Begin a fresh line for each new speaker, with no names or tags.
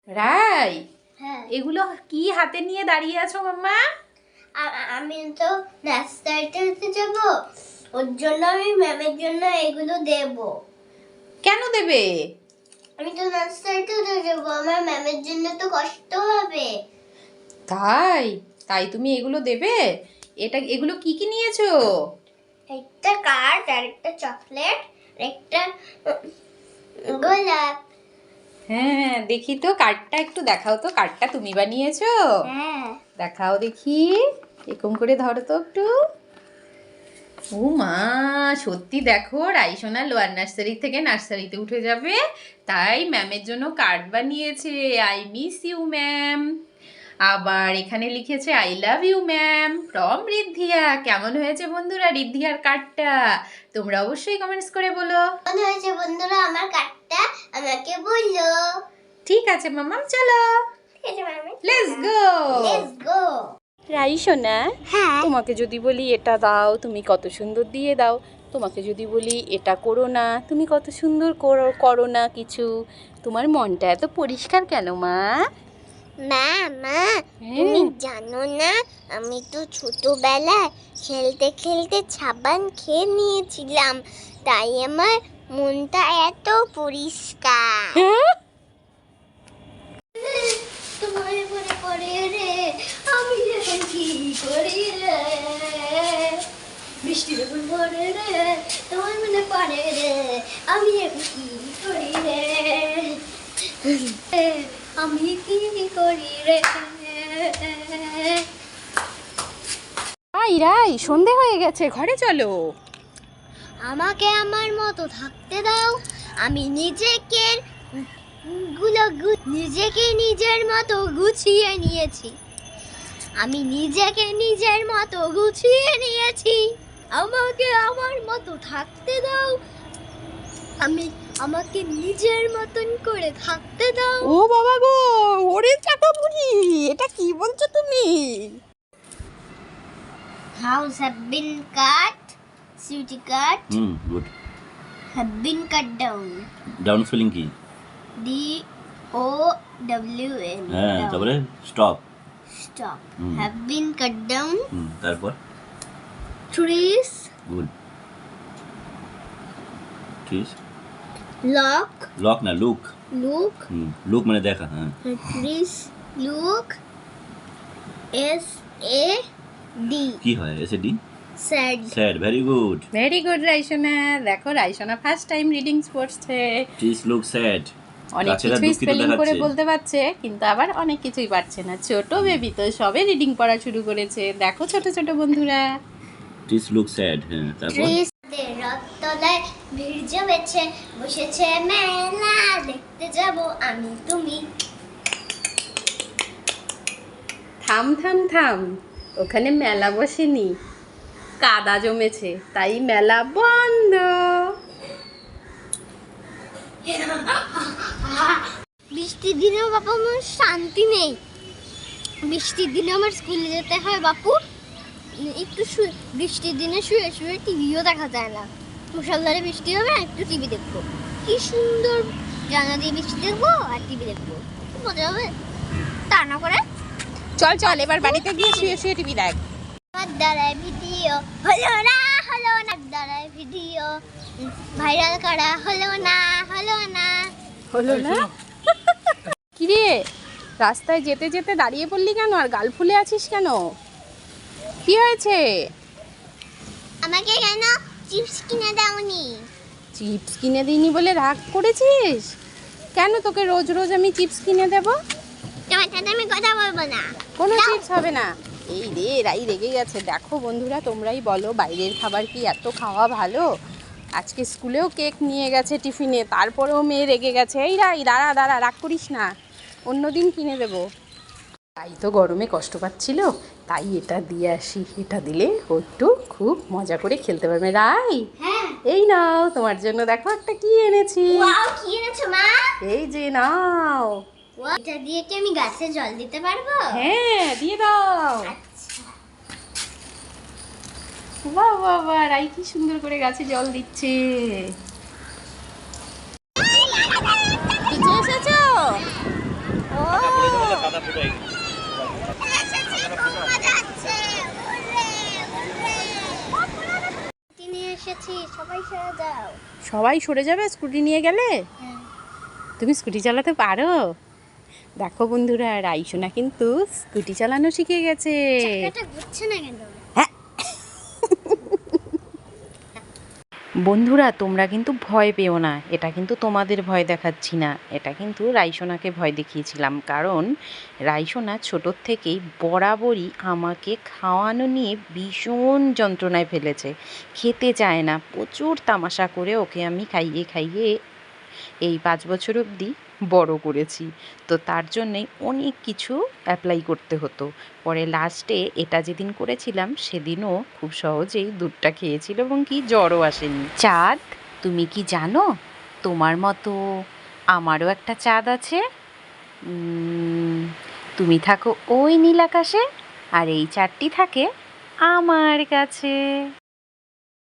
রাই,
হ্যাঁ,
এগুলো কি হাতে নিয়ে দাঁড়িয়ে আছো মাম্মা?
আমি তো নার্সারিতে যাব, ওর জন্য আমি ম্যামের জন্য এগুলো দেব।
কেন দেবে?
আমি তো নার্সারিতে যাব, আমার ম্যামের জন্য তো কষ্ট হবে।
তাই তাই তুমি এগুলো দেবে? এগুলো কি কি নিয়েছো?
একটা কার্ড আর একটা চকলেট, একটা গোলাপ।
হ্যাঁ, দেখি তো কার্ডটা একটু দেখাও তো। কার্ডটা তুমি বানিয়েছো?
হ্যাঁ,
দেখাও দেখি, এরকম করে ধরো তো একটু। ও মা, সত্যি দেখো, রাইসোনা লোয়ার নার্সারি থেকে নার্সারিতে উঠে যাবে, তাই ম্যামের জন্য কার্ড বানিয়েছে। I miss you ma'am. আবার এখানে লিখেছে I love you ma'am from Riddhiya. কেমন হয়েছে বন্ধুরা রিদ্ধিয়ার কার্ডটা? তোমরা অবশ্যই কমেন্টস করে বলো।
মনে হয়েছে বন্ধুরা আমার কার্ডটা আমাকে বললো।
ঠিক আছে মাম্মাম, চলো
ঠিক আছে মামি,
লেটস গো।
Let's go.
রাইসোনা,
হ্যাঁ,
তোমাকে যদি বলি এটা দাও, তুমি কত সুন্দর দিয়ে দাও। তোমাকে যদি বলি এটা করো না, তুমি কত সুন্দর করো না কিছু। তোমার মনটা এত পরিষ্কার কেন মা?
মা, তুমি জানো না, আমি তো ছোটবেলায় খেলতে খেলতে সাবান খেয়ে নিয়েছিলাম, তাই আমার মনটা এত পরিষ্কার। তোমার মনে পড়ে রে, আমি এখন কি করি রে, বৃষ্টি যখন পড়ে রে, তোমার মনে পড়ে রে, আমি এখন কি করি রে, আমি কি করি রে।
রাই রাই, সন্ধে হয়ে গেছে, ঘরে চলো।
আমাকে আমার মতো থাকতে দাও, আমি নিজেকে নিজেকে নিজের মতো গুছিয়ে নিয়েছি, আমি নিজেকে নিজের মতো গুছিয়ে নিয়েছি, আমাকে আমার মতো থাকতে দাও, আমাকে নিজের মতন করে থাকতে দাও।
ও বাবা গো, ওরে চাকা বুড়ি, এটা কি বলছো তুমি?
House have been cut, city cut
good.
have been cut down.
Down spelling কি?
DOWN.
হ্যাঁ,
down.
তারপরে stop.
Stop.
Hmm.
Have been cut down.
তারপর
Trees.
Good. Trees.
Lock.
Lock না, লুক।
Look.
লুক মানে দেখা। হ্যাঁ,
Trees. Look. SAD.
কি হয়? S A D?
Sad.
Sad. Very good.
Very good Raisona. দেখো রাইসোনা ফার্স্ট টাইম রিডিং পড়ছে।
Trees look sad.
অনেক
গাছেরা
কিছুই
দুঃখিত
স্পেলিং করে
দেখাচ্ছে।
বলতে পারছে, কিন্তু আবার অনেক কিছুই পারছে না। ছোট বেবি তো, সবে রিডিং পড়া শুরু করেছে। দেখো ছোট ছোট বন্ধুরা।
Trees look sad. হ্যাঁ, তারপর
Trees. রথতলায় ভিড় জমেছে, বসেছে মেলা, দেখতে যাব আমি তুমি।
থাম থাম থাম, ওখানে মেলা বসেনি, কাদা জমেছে, তাই মেলা বন্ধ।
বৃষ্টির দিনেও বাপু আমার শান্তি নেই, বৃষ্টির দিনে আমার স্কুলে যেতে হয় বাপু, একটু বৃষ্টির দিনে শুয়ে শুয়ে টিভিও দেখা যায় না, মুষলধারে বৃষ্টি হবে আর একটু টিভি দেখবো, কি সুন্দর, জানলা দিয়ে বৃষ্টি দেখবো আর টিভি দেখবো, খুব মজা হবে। তা না করে
চল চল, এবার বাড়িতে গিয়ে শুয়ে শুয়ে টিভি দেখ।
আমার দ্বারায় ভিডিও হলো না, হলো না, দ্বারায় ভিডিও ভাইরাল করা হলো না, হলো না।
হলো না? কিরে, রাস্তায় যেতে যেতে দাঁড়িয়ে পড়লি কেন, আর গাল ফুলে আছিস কেন? কি হয়েছে?
আমাকে কেন চিপস কিনে দাওনি?
চিপস কিনে দিইনি বলে রাগ করেছিস? কেন, তোকে রোজ রোজ আমি চিপস কিনে দেব?
তোমার সাথে আমি কথা বলবো না।
কোনো চিপস হবে না। এই রে, রাই রেগে গেছে। দেখো বন্ধুরা, তোমরাই বলো, বাইরের খাবার কি এত খাওয়া ভালো? আজকে স্কুলেও কেক নিয়ে গেছে টিফিনে, তারপরেও মেয়ে রেগে গেছে। এই রাই, দাঁড়া দাঁড়া, রাগ করিস না, অন্যদিন কিনে দেবো। তাই তো গরমে কষ্ট পাচ্ছিল, তাই এটা দিয়ে আসি। এটা দিলে ও একটু খুব মজা করে খেলতে পারবে। রাই,
হ্যাঁ,
এই নাও, তোমার জন্য দেখো একটা কি এনেছি।
ওয়াও, কি এনেছো মা?
এই যে নাও।
ওয়াও, এটা দিয়ে কি আমি গাছে জল দিতে পারবো?
হ্যাঁ, দিয়ে দাও।
আচ্ছা।
বাহ বাহ বাহ, রাই কি সুন্দর করে গাছে জল দিচ্ছে। নিচে এসেছো?
ও নিয়ে এসেছি, সবাই সরে যাও।
সবাই সরে যাবে স্কুটি নিয়ে গেলে?
হ্যাঁ।
তুমি স্কুটি চালাতে পারো? দেখো বন্ধুরা, রাইসোনা কিন্তু স্কুটি চালানো শিখে গেছে।
চাকাটা ঘুরছে না কেন?
বন্ধুরা, তোমরা কিন্তু ভয় পেও না, এটা কিন্তু তোমাদের ভয় দেখাচ্ছি না, এটা কিন্তু রাইসোনাকে ভয় দেখিয়েছিলাম। কারণ রাইসোনা ছোটোর থেকেই বরাবরই আমাকে খাওয়ানো নিয়ে ভীষণ যন্ত্রণায় ফেলেছে। খেতে চায় না, প্রচুর তামাশা করে ওকে আমি খাইয়ে খাইয়ে এই 5 বছর অবধি বড় করেছি। তো তার জন্যেই অনেক কিছু অ্যাপ্লাই করতে হতো। পরে লাস্টে এটা যেদিন করেছিলাম সেদিনও খুব সহজেই দুধটা খেয়েছিল এবং কি জ্বরও আসেনি। চাঁদ, তুমি কি জানো তোমার মতো আমারও একটা চাঁদ আছে? তুমি থাকো ওই নীল আকাশে আর এই চাঁদটি থাকে আমার কাছে।